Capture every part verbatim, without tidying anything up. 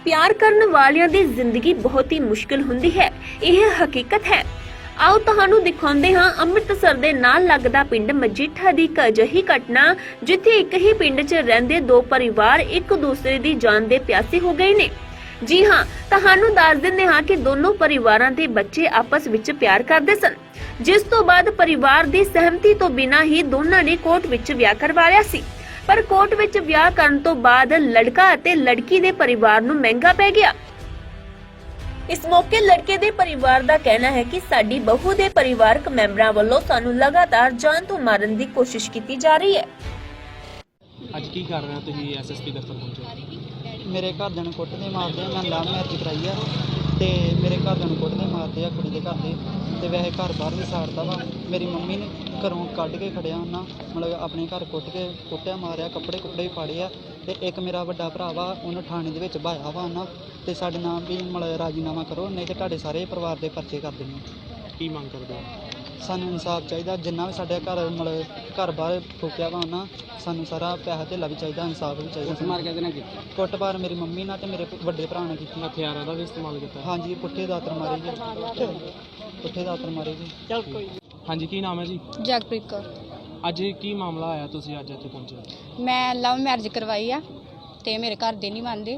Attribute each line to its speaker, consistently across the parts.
Speaker 1: प्यार करने वालियां दी जिंदगी बहुत ही मुश्किल हुंदी है, यह हकीकत है। आओ तुहानू दिखाउंदे हां अमृतसर दे नाल लगदा पिंड मजीठा दी इक अजिही घटना जिथे एक ही पिंड च रहिंदे दो परिवार एक दूसरे दी जान दे प्यासे हो गए ने। जी हां, तुहानू दस दिंदे हां कि दोनों परिवारां दे बच्चे आपस विच प्यार करदे सन, जिस तो बाद परिवार दी सहमति तो बिना ही दोनों ने कोर्ट विच विआह करवा लिया सी। पर कोर्ट विच विआह करन तो बाद लड़का अते लड़की दे परिवार नू महंगा पै गया। इस मौके लड़के दे परिवार दा कहना है कि साडी बहू दे परिवारक मैंबरां वल्लों सानू लगातार जान तो मारन दी कोशिश की जा रही है।
Speaker 2: ਅੱਜ ਕੀ ਕਰ ਰਹੇ ਹੋ ਤੁਸੀਂ ਐਸਐਸਪੀ ਦਫ਼ਤਰ ਪਹੁੰਚੇ?
Speaker 3: ਮੇਰੇ ਘਰਦਿਆਂ ਨੂੰ ਕੁੱਟਦੇ ਮਾਰਦੇ ਆ। ਮੈਂ ਲਵ ਮੈਰਿਜ ਕਰਾਈ ਆ ਤੇ ਮੇਰੇ ਘਰਦਿਆਂ ਨੂੰ ਕੁੱਟਦੇ ਮਾਰਦੇ ਆ ਕੁੜੀ ਦੇ ਘਰ ਦੇ, ਤੇ ਵੈਸੇ ਘਰ ਬਾਹਰ ਵੀ ਸਾੜਦਾ ਵਾ। ਮੇਰੀ ਮੰਮੀ ਨੇ ਘਰੋਂ ਕੱਢ ਕੇ ਖੜਿਆ ਉਹਨਾਂ, ਮਤਲਬ ਆਪਣੇ ਘਰ ਕੁੱਟ ਕੇ ਕੁੱਟਿਆ ਮਾਰਿਆ, ਕੱਪੜੇ ਕੁੱਪੜੇ ਵੀ ਪਾੜੇ ਆ। ਤੇ ਇੱਕ ਮੇਰਾ ਵੱਡਾ ਭਰਾ ਵਾ, ਉਹਨੂੰ ਥਾਣੇ ਦੇ ਵਿੱਚ ਭਾਇਆ ਵਾ ਉਹਨਾਂ, ਤੇ ਸਾਡੇ ਨਾਮ ਵੀ ਮਤਲਬ ਰਾਜੀਨਾਮਾ ਕਰੋ, ਨਹੀਂ ਤੇ ਤੁਹਾਡੇ ਸਾਰੇ ਪਰਿਵਾਰ ਦੇ ਪਰਚੇ ਕਰ ਦੇਣੇ।
Speaker 2: ਕੀ ਮੰਗ ਕਰਦੇ ਹੋ?
Speaker 3: ਸਾਨੂੰ ਇਨਸਾਫ ਚਾਹੀਦਾ। ਜਿੰਨਾ ਵੀ ਸਾਡੇ ਘਰ ਮਤਲਬ ਘਰ ਬਾਹਰ ਫੂਕਿਆ ਵਾ ਉਹਨਾਂ, ਸਾਨੂੰ ਸਾਰਾ ਪੈਸਾ ਧੇਲਾ ਵੀ ਚਾਹੀਦਾ, ਇਨਸਾਫ ਵੀ ਚਾਹੀਦਾ।
Speaker 2: ਮਾਰ ਕੇ ਨਾ ਕੀਤੀ?
Speaker 3: ਕੁੱਟਮਾਰ ਮੇਰੀ ਮੰਮੀ ਨਾਲ ਤੇ ਮੇਰੇ ਵੱਡੇ ਭਰਾ ਨੇ ਕੀਤੀ।
Speaker 2: ਹਥਿਆਰਾਂ ਦਾ ਵੀ ਇਸਤੇਮਾਲ ਕੀਤਾ?
Speaker 3: ਹਾਂਜੀ, ਪੁੱਠੇ ਦਾਤਰ ਮਾਰੇ ਜੀ, ਪੁੱਠੇ ਦਾਤਰ ਮਾਰੇ ਜੀ। ਚਲ ਕੋਈ।
Speaker 2: ਹਾਂਜੀ, ਕੀ ਨਾਮ ਹੈ ਜੀ?
Speaker 4: ਜਗਪ੍ਰੀਤ ਕੌਰ।
Speaker 2: ਅੱਜ ਕੀ ਮਾਮਲਾ ਆਇਆ, ਤੁਸੀਂ ਅੱਜ ਇੱਥੇ ਪਹੁੰਚੇ?
Speaker 4: ਮੈਂ ਲਵ ਮੈਰਿਜ ਕਰਵਾਈ ਆ ਤੇ ਮੇਰੇ ਘਰ ਦੇ ਨਹੀਂ ਮੰਨਦੇ,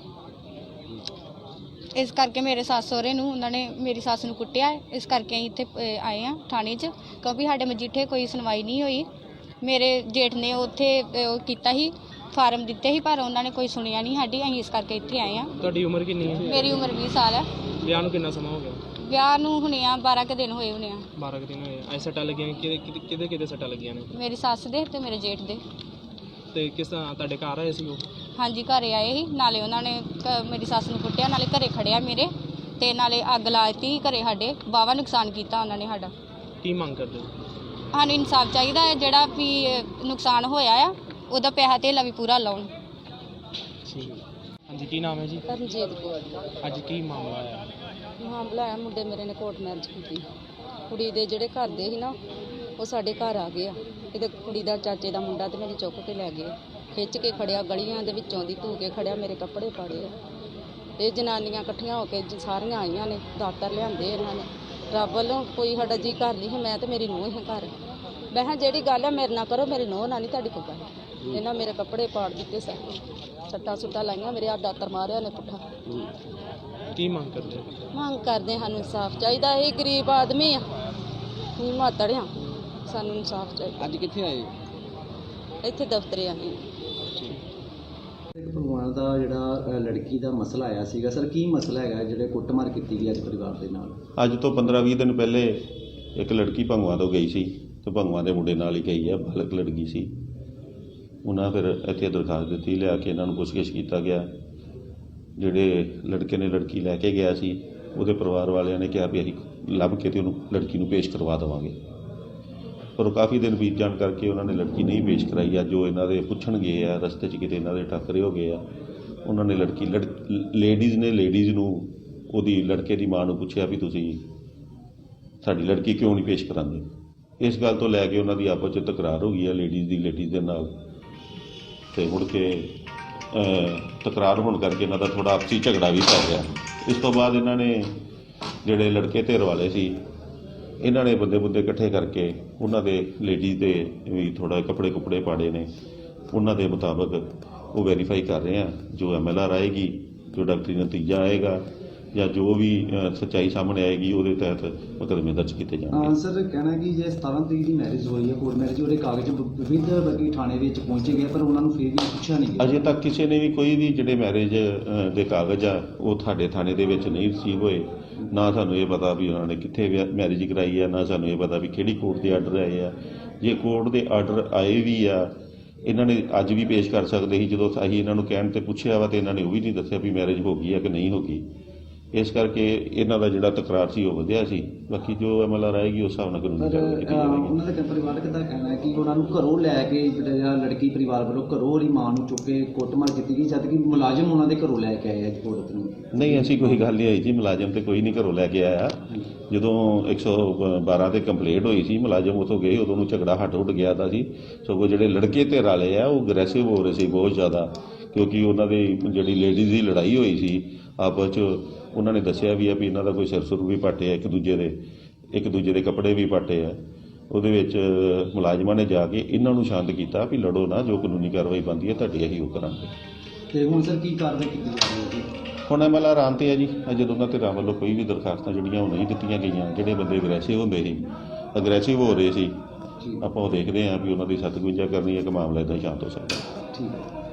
Speaker 4: ਇਸ ਕਰਕੇ ਮੇਰੇ ਸੱਸ ਸਹੁਰੇ ਨੂੰ ਉਹਨਾਂ ਨੇ ਮੇਰੀ ਸੱਸ ਨੂੰ ਕੁੱਟਿਆ। ਇਸ ਕਰਕੇ ਅਸੀਂ ਇੱਥੇ ਅ, ਆਏ ਆ ਥਾਣੇ 'ਚ, ਕਿਉਂਕਿ ਸਾਡੇ ਮਜੀਠੇ ਕੋਈ ਸੁਣਵਾਈ ਨਹੀਂ ਹੋਈ। ਮੇਰੇ ਜੇਠ ਨੇ ਉੱਥੇ ਅ, ਉਹ ਕੀਤਾ ਸੀ, ਫਾਰਮ ਦਿੱਤੇ ਸੀ, ਪਰ ਉਹਨਾਂ ਨੇ ਕੋਈ ਸੁਣਿਆ ਨਹੀਂ ਸਾਡੀ। ਅਸੀਂ ਇਸ ਕਰਕੇ ਇੱਥੇ ਆਏ ਆ।
Speaker 2: ਤੁਹਾਡੀ ਉਮਰ ਕਿੰਨੀ ਹੈ?
Speaker 4: ਮੇਰੀ ਉਮਰ ਵੀਹ ਸਾਲ ਹੈ।
Speaker 2: ਵਿਆਹ ਨੂੰ ਕਿੰਨਾ ਸਮਾਂ ਹੋ ਗਿਆ?
Speaker 4: ਵਿਆਹ ਨੂੰ ਹੁਣੇ ਆ ਬਾਰਾਂ ਕੁ ਦਿਨ ਹੋਏ ਹੋਣੇ ਆ।
Speaker 2: ਬਾਰਾਂ ਕੁ ਦਿਨ ਹੋਏ। ਐ ਸੱਟਾਂ ਲੱਗੀਆਂ ਕਿਹਦੇ ਕਿਹਦੇ ਕਿਹਦੇ ਸੱਟਾਂ ਲੱਗੀਆਂ ਨੇ?
Speaker 4: ਮੇਰੀ ਸੱਸ ਦੇ ਤੇ ਮੇਰੇ ਜੇਠ ਦੇ।
Speaker 2: ਤੇ ਕਿਸ ਤਰ੍ਹਾਂ ਤੁਹਾਡੇ ਘਰ ਆਏ ਸੀ ਉਹ?
Speaker 4: ਹਾਂਜੀ, ਘਰੇ ਆਏ ਸੀ, ਨਾਲੇ ਉਹਨਾਂ ਨੇ ਕ- ਮੇਰੀ ਸੱਸ ਨੂੰ ਕੁੱਟਿਆ, ਨਾਲੇ ਘਰੇ ਖੜਿਆ ਮੇਰੇ, ਤੇ ਨਾਲੇ ਅੱਗ ਲਾ ਦਿੱਤੀ ਘਰੇ ਸਾਡੇ। ਵਾਹਵਾ ਨੁਕਸਾਨ ਕੀਤਾ ਉਹਨਾਂ ਨੇ ਸਾਡਾ।
Speaker 2: ਕੀ ਮੰਗ ਕਰਦੇ ਹੋ?
Speaker 4: ਸਾਨੂੰ ਇਨਸਾਫ ਚਾਹੀਦਾ ਹੈ, ਜਿਹੜਾ ਵੀ ਨੁਕਸਾਨ ਹੋਇਆ ਆ ਉਹਦਾ ਪੈਸਾ ਧੇਲਾ ਵੀ ਪੂਰਾ ਲਾਉਣ।
Speaker 2: ਠੀਕ ਹੈ। ਹਾਂਜੀ, ਕੀ ਨਾਮ ਹੈ ਜੀ?
Speaker 4: ਰਣਜੀਤ ਕੌਰ।
Speaker 2: ਅੱਜ ਕੀ ਮਾਮਲਾ ਆਇਆ?
Speaker 4: ਮਾਮਲਾ ਆਇਆ, ਮੁੰਡੇ ਮੇਰੇ ਨੇ ਕੋਰਟ ਮੈਰਿਜ ਕੀਤੀ। ਕੁੜੀ ਦੇ ਜਿਹੜੇ ਘਰ ਦੇ ਸੀ ਨਾ, ਉਹ ਸਾਡੇ ਘਰ ਆ ਗਏ ਆ। ਇਹਦੇ ਕੁੜੀ ਦਾ ਚਾਚੇ ਦਾ ਮੁੰਡਾ ਤੇ ਮੇਰੀ ਚੁੱਕ ਕੇ ਲੈ ਗਏ, ਖਿੱਚ ਕੇ ਖੜਿਆ ਗਲੀਆਂ ਦੇ ਵਿੱਚੋਂ ਦੀ, ਧੂ ਕੇ ਖੜਿਆ, ਮੇਰੇ ਕੱਪੜੇ ਪਾੜੇ ਆ। ਇਹ ਜਨਾਨੀਆਂ ਇਕੱਠੀਆਂ ਹੋ ਕੇ ਜ- ਸਾਰੀਆਂ ਆਈਆਂ ਨੇ, ਦਾਤਰ ਲਿਆਂਦੇ ਇਹਨਾਂ ਨੇ। ਰੱਬ ਵੱਲੋਂ ਕੋਈ ਸਾਡਾ ਜੀ ਘਰ ਨਹੀਂ ਸੀ, ਮੈਂ ਤੇ ਮੇਰੀ ਨੂੰਹ ਹੀ ਘਰ। ਮੈਂ ਕਿਹਾ ਜਿਹੜੀ ਗੱਲ ਹੈ ਮੇਰੇ ਨਾਲ ਕਰੋ, ਮੇਰੀ ਨੂੰਹ ਨਾਲ ਨਹੀਂ ਤੁਹਾਡੀ ਕੋਈ ਗੱਲ। ਇਹਨਾਂ ਮੇਰੇ ਕੱਪੜੇ ਪਾੜ ਦਿੱਤੇ, ਸਾਰੇ ਸੱਟਾਂ ਸੁੱਟਾਂ ਲਾਈਆਂ, ਮੇਰੇ ਆ ਦਾਤਰ ਮਾਰਿਆ ਨੇ ਪੁੱਠਾ।
Speaker 2: ਕੀ ਮੰਗ ਕਰਦੇ ਹੋ?
Speaker 4: ਮੰਗ ਕਰਦੇ, ਸਾਨੂੰ ਇਨਸਾਫ ਚਾਹੀਦਾ। ਇਹ ਗਰੀਬ ਆਦਮੀ ਆ, ਅਸੀਂ ਮਾਤੜ ਆ, ਸਾਨੂੰ ਇਨਸਾਫ ਚਾਹੀਦਾ।
Speaker 2: ਅੱਜ ਕਿੱਥੇ ਆਏ?
Speaker 4: ਇੱਥੇ ਦਫ਼ਤਰੇ ਆਏ।
Speaker 5: ਭਗਵਾਨ ਦਾ ਜਿਹੜਾ ਅ, ਲੜਕੀ ਦਾ ਮਸਲਾ ਆਇਆ ਸੀਗਾ ਸਰ, ਕੀ ਮਸਲਾ ਹੈਗਾ ਜਿਹੜੇ ਕੁੱਟਮਾਰ ਕੀਤੀ ਗਈ ਅੱਜ ਪਰਿਵਾਰ ਦੇ ਨਾਲ?
Speaker 6: ਅੱਜ ਤੋਂ ਪੰਦਰਾਂ ਵੀਹ ਦਿਨ ਪਹਿਲੇ ਇੱਕ ਲੜਕੀ ਭੰਗਵਾ ਤੋਂ ਗਈ ਸੀ, ਤੇ ਭੰਗਵਾ ਦੇ ਮੁੰਡੇ ਨਾਲ ਹੀ ਗਈ ਹੈ, ਬਾਲਕ ਲੜਕੀ ਸੀ। ਉਹਨਾਂ ਫਿਰ ਇੱਥੇ ਦਰਖਾਸਤ ਦਿੱਤੀ, ਲਿਆ ਕੇ ਇਹਨਾਂ ਨੂੰ ਪੁੱਛਗਿੱਛ ਕੀਤਾ ਗਿਆ। ਜਿਹੜੇ ਲੜਕੇ ਨੇ ਲੜਕੀ ਲੈ ਕੇ ਗਿਆ ਸੀ, ਉਹਦੇ ਪਰਿਵਾਰ ਵਾਲਿਆਂ ਨੇ ਕਿਹਾ ਵੀ ਅਸੀਂ ਲੱਭ ਕੇ ਤੇ ਉਹਨੂੰ ਲੜਕੀ ਨੂੰ ਪੇਸ਼ ਕਰਵਾ ਦੇਵਾਂਗੇ, ਪਰ ਉਹ ਕਾਫੀ ਦਿਨ ਬੀਤ ਜਾਣ ਕਰਕੇ ਉਹਨਾਂ ਨੇ ਲੜਕੀ ਨਹੀਂ ਪੇਸ਼ ਕਰਾਈ। ਅੱਜ ਜੋ ਇਹਨਾਂ ਦੇ ਪੁੱਛਣ ਗਏ ਆ, ਰਸਤੇ 'ਚ ਕਿਤੇ ਇਹਨਾਂ ਦੇ ਟੱਕਰੇ ਹੋ ਗਏ ਆ, ਉਹਨਾਂ ਨੇ ਲੜਕੀ ਲੜ ਲੇਡੀਜ਼ ਨੇ ਲੇਡੀਜ਼ ਨੂੰ ਉਹਦੀ ਲੜਕੇ ਦੀ ਮਾਂ ਨੂੰ ਪੁੱਛਿਆ ਵੀ ਤੁਸੀਂ ਸਾਡੀ ਲੜਕੀ ਕਿਉਂ ਨਹੀਂ ਪੇਸ਼ ਕਰਾਉਂਦੇ। ਇਸ ਗੱਲ ਤੋਂ ਲੈ ਕੇ ਉਹਨਾਂ ਦੀ ਆਪਸ 'ਚ ਤਕਰਾਰ ਹੋ ਗਈ ਆ ਲੇਡੀਜ਼ ਦੀ ਲੇਡੀਜ਼ ਦੇ ਨਾਲ, ਤੇ ਮੁੜ ਕੇ ਤਕਰਾਰ ਹੋਣ ਕਰਕੇ ਇਹਨਾਂ ਦਾ ਥੋੜ੍ਹਾ ਆਪਸੀ ਝਗੜਾ ਵੀ ਪੈ ਗਿਆ। ਇਸ ਤੋਂ ਬਾਅਦ ਇਹਨਾਂ ਨੇ ਜਿਹੜੇ ਲੜਕੇ ਧਿਰ ਵਾਲੇ ਸੀ, ਇਹਨਾਂ ਨੇ ਬੰਦੇ ਬੰਦੇ ਇਕੱਠੇ ਕਰਕੇ ਉਹਨਾਂ ਦੇ ਲੇਡੀਜ਼ ਦੇ ਵੀ ਥੋੜ੍ਹਾ ਕੱਪੜੇ ਕੁੱਪੜੇ ਪਾੜੇ ਨੇ। ਉਹਨਾਂ ਦੇ ਮੁਤਾਬਕ ਉਹ ਵੈਰੀਫਾਈ ਕਰ ਰਹੇ ਆ, ਜੋ ਐਮ ਐਲ ਆਰ ਆਏਗੀ, ਜੋ ਡਾਕਟਰੀ ਨਤੀਜਾ ਆਏਗਾ, ਜਾਂ ਜੋ ਵੀ ਸੱਚਾਈ ਸਾਹਮਣੇ ਆਏਗੀ, ਉਹਦੇ ਤਹਿਤ ਮੁਕੱਦਮੇ ਦਰਜ ਕੀਤੇ ਜਾਣਗੇ।
Speaker 5: ਸਰ, ਕਹਿਣਾ ਕਿ ਜੇ ਸਤਾਰਾਂ ਤਰੀਕ ਦੀ ਮੈਰਿਜ ਹੋਈ ਹੈ, ਕੋਰਟ ਮੈਰਿਜ, ਉਹਦੇ ਕਾਗਜ਼ ਵਿਦ ਬਲਕਿ ਥਾਣੇ ਵਿੱਚ ਪਹੁੰਚੇ ਗਏ, ਪਰ ਉਹਨਾਂ ਨੂੰ ਫਿਰ ਵੀ ਪੁੱਛਿਆ ਨਹੀਂ ਗਿਆ।
Speaker 6: ਅਜੇ ਤੱਕ ਕਿਸੇ ਨੇ ਵੀ ਕੋਈ ਵੀ ਜਿਹੜੇ ਮੈਰਿਜ ਦੇ ਕਾਗਜ਼ ਆ ਉਹ ਤੁਹਾਡੇ ਥਾਣੇ ਦੇ ਵਿੱਚ ਨਹੀਂ ਰਿਸੀਵ ਹੋਏ। ਨਾ ਸਾਨੂੰ ਇਹ ਪਤਾ ਵੀ ਉਹਨਾਂ ਨੇ ਕਿੱਥੇ ਮੈਰਿਜ ਕਰਾਈ ਆ, ਨਾ ਸਾਨੂੰ ਇਹ ਪਤਾ ਵੀ ਕਿਹੜੀ ਕੋਰਟ ਦੇ ਆਰਡਰ ਆਏ ਆ। ਜੇ ਕੋਰਟ ਦੇ ਆਰਡਰ ਆਏ ਵੀ ਆ, ਇਹਨਾਂ ਨੇ ਅੱਜ ਵੀ ਪੇਸ਼ ਕਰ ਸਕਦੇ ਸੀ। ਜਦੋਂ ਅਸੀਂ ਇਹਨਾਂ ਨੂੰ ਕਹਿਣ ਤੇ ਪੁੱਛਿਆ ਵਾ, ਤੇ ਇਹਨਾਂ ਨੇ ਉਹ ਵੀ ਨਹੀਂ ਦੱਸਿਆ ਵੀ ਮੈਰਿਜ ਹੋ ਗਈ ਆ ਕਿ ਨਹੀਂ ਹੋ ਗਈ। ਇਸ ਕਰਕੇ ਇਹਨਾਂ ਦਾ ਜਿਹੜਾ ਤਕਰਾਰ ਸੀ ਉਹ ਵਧਿਆ ਸੀ। ਬਾਕੀ ਜੋ ਐਮ ਐਲ ਆਰ ਆਏਗੀ ਉਸ ਹਿਸਾਬ ਨਾਲ ਕਾਨੂੰਨੀ ਕਾਰਵਾਈ ਕੀਤੀ ਜਾਵੇਗੀ।
Speaker 5: ਉਹਨਾਂ ਦੇ ਪਰਿਵਾਰਕ ਦਾ ਕਹਿਣਾ ਹੈ ਕਿ ਉਹਨਾਂ ਨੂੰ ਘਰੋਂ ਲੈ ਕੇ ਜਿਹੜਾ ਲੜਕੀ ਪਰਿਵਾਰ ਵੱਲੋਂ ਘਰੋਂ ਉਹਦੀ ਮਾਂ ਨੂੰ ਚੁੱਕ ਕੇ ਕੁੱਟਮਾਰ ਕੀਤੀ ਗਈ, ਜਦ ਕਿ ਮੁਲਾਜ਼ਮ ਉਹਨਾਂ ਦੇ ਘਰੋਂ ਲੈ ਕੇ ਆਏ ਅੱਜ ਕੋਰਟ ਨੂੰ।
Speaker 6: ਨਹੀਂ, ਐਸੀ ਕੋਈ ਗੱਲ ਨਹੀਂ ਆਈ ਜੀ, ਮੁਲਾਜ਼ਮ ਤੇ ਕੋਈ ਨਹੀਂ ਘਰੋਂ ਲੈ ਕੇ ਆਇਆ। ਜਦੋਂ ਇੱਕ ਸੌ ਬਾਰਾਂ ਤੇ ਕੰਪਲੇਂਟ ਹੋਈ ਸੀ, ਮੁਲਾਜ਼ਮ ਉੱਥੋਂ ਗਏ, ਉਦੋਂ ਨੂੰ ਝਗੜਾ ਹਟ ਉੱਡ ਗਿਆ ਤਾਂ ਸੀ। ਸਗੋਂ ਜਿਹੜੇ ਲੜਕੇ ਧਿਰ ਵਾਲੇ ਆ ਉਹ ਅਗਰੈਸਿਵ ਹੋ ਰਹੇ ਸੀ ਬਹੁਤ ਜ਼ਿਆਦਾ, ਕਿਉਂਕਿ ਉਹਨਾਂ ਦੀ ਜਿਹੜੀ ਲੇਡੀਜ਼ ਦੀ ਲੜਾਈ ਹੋਈ ਸੀ ਆਪਸ 'ਚ, ਉਹਨਾਂ ਨੇ ਦੱਸਿਆ ਵੀ ਆ ਵੀ ਇਹਨਾਂ ਦਾ ਕੋਈ ਸਿਰ ਸੁਰ ਵੀ ਪਾਟੇ ਆ, ਇੱਕ ਦੂਜੇ ਦੇ ਇੱਕ ਦੂਜੇ ਦੇ ਕੱਪੜੇ ਵੀ ਪਾਟੇ ਆ। ਉਹਦੇ ਵਿੱਚ ਮੁਲਾਜ਼ਮਾਂ ਨੇ ਜਾ ਕੇ ਇਹਨਾਂ ਨੂੰ ਸ਼ਾਂਤ ਕੀਤਾ ਵੀ ਲੜੋ ਨਾ, ਜੋ ਕਾਨੂੰਨੀ ਕਾਰਵਾਈ ਬਣਦੀ ਹੈ ਤੁਹਾਡੀ ਅਸੀਂ ਉਹ ਕਰਾਂਗੇ।
Speaker 5: ਤੇ ਹੁਣ ਸਰ ਕੀ ਕਾਰਵਾਈ ਕੀਤੀ ਜਾ ਰਹੀ ਹੈ?
Speaker 6: ਹੁਣ ਐਮ ਐਲ ਆਰ ਆਨ ਤੇ ਆ ਜੀ, ਅਜੇ ਦੋਨਾਂ ਧਿਰਾਂ ਵੱਲੋਂ ਕੋਈ ਵੀ ਦਰਖਾਸਤਾਂ ਜਿਹੜੀਆਂ ਉਹ ਨਹੀਂ ਦਿੱਤੀਆਂ ਗਈਆਂ। ਜਿਹੜੇ ਬੰਦੇ ਅਗਰੈਸਿਵ ਹੁੰਦੇ ਸੀ, ਅਗਰੈਸਿਵ ਹੋ ਰਹੇ ਸੀ, ਆਪਾਂ ਉਹ ਦੇਖਦੇ ਹਾਂ ਵੀ ਉਹਨਾਂ ਦੀ ਸਖਤ ਗੁੰਜਾ ਕਰਨੀ ਹੈ ਕਿ ਮਾਮਲਾ ਇੱਦਾਂ ਹੀ ਸ਼ਾਂਤ ਹੋ ਸਕਦਾ।
Speaker 5: ਠੀਕ ਹੈ।